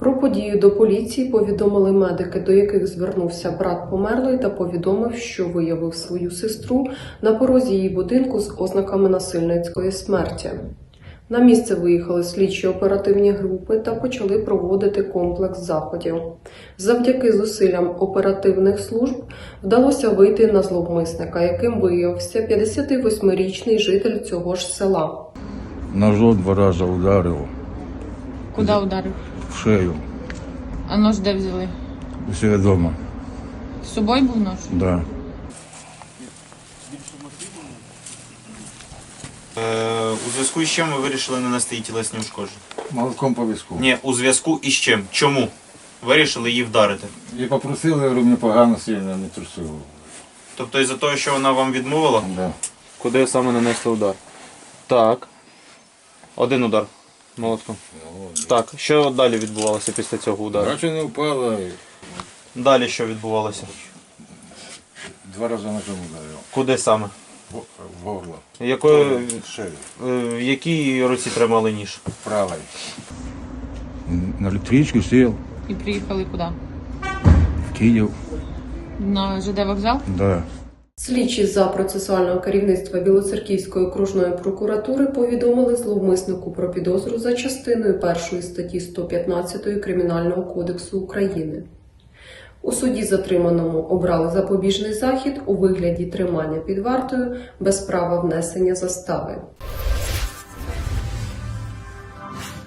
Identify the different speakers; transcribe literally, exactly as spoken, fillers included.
Speaker 1: Про подію до поліції повідомили медики, до яких звернувся брат померлої та повідомив, що виявив свою сестру на порозі її будинку з ознаками насильницької смерті. На місце виїхали слідчі оперативні групи та почали проводити комплекс заходів. Завдяки зусиллям оперативних служб вдалося вийти на зловмисника, яким виявився п'ятдесятивосьмирічний житель цього ж села.
Speaker 2: Ножом два рази ударив.
Speaker 3: Куди ударив?
Speaker 2: В шею.
Speaker 3: А нож де взяли?
Speaker 2: У себе вдома.
Speaker 3: З собою був нож?
Speaker 2: Да.
Speaker 4: Е, у зв'язку із чим ви вирішили нанести їй тілесні ушкодження?
Speaker 2: Молотком по візку.
Speaker 4: Ні, у зв'язку із чим? Чому вирішили її вдарити?
Speaker 2: І попросили, говорю, мені погано сильно, не трусило.
Speaker 4: Тобто із-за того, що вона вам відмовила?
Speaker 2: Да.
Speaker 5: Куди саме нанесли удар? Так. Один удар молотком. Так, що далі відбувалося після цього удару?
Speaker 2: Бачу, не впала, і
Speaker 4: Далі що відбувалося?
Speaker 2: два рази ножом ударив.
Speaker 4: Куди саме?
Speaker 2: В в горло.
Speaker 4: Якою,
Speaker 2: В шею.
Speaker 4: е, в якій руці тримали ніж?
Speaker 2: Правой. На електричку сел.
Speaker 3: І приїхали куди?
Speaker 2: В Київ.
Speaker 3: На ЖД вокзал?
Speaker 2: Да.
Speaker 1: Слідчі за процесуального керівництва Білоцерківської окружної прокуратури повідомили зловмиснику про підозру за частиною першої статті сто п'ятнадцять Кримінального кодексу України. У суді затриманому обрали запобіжний захід у вигляді тримання під вартою без права внесення застави.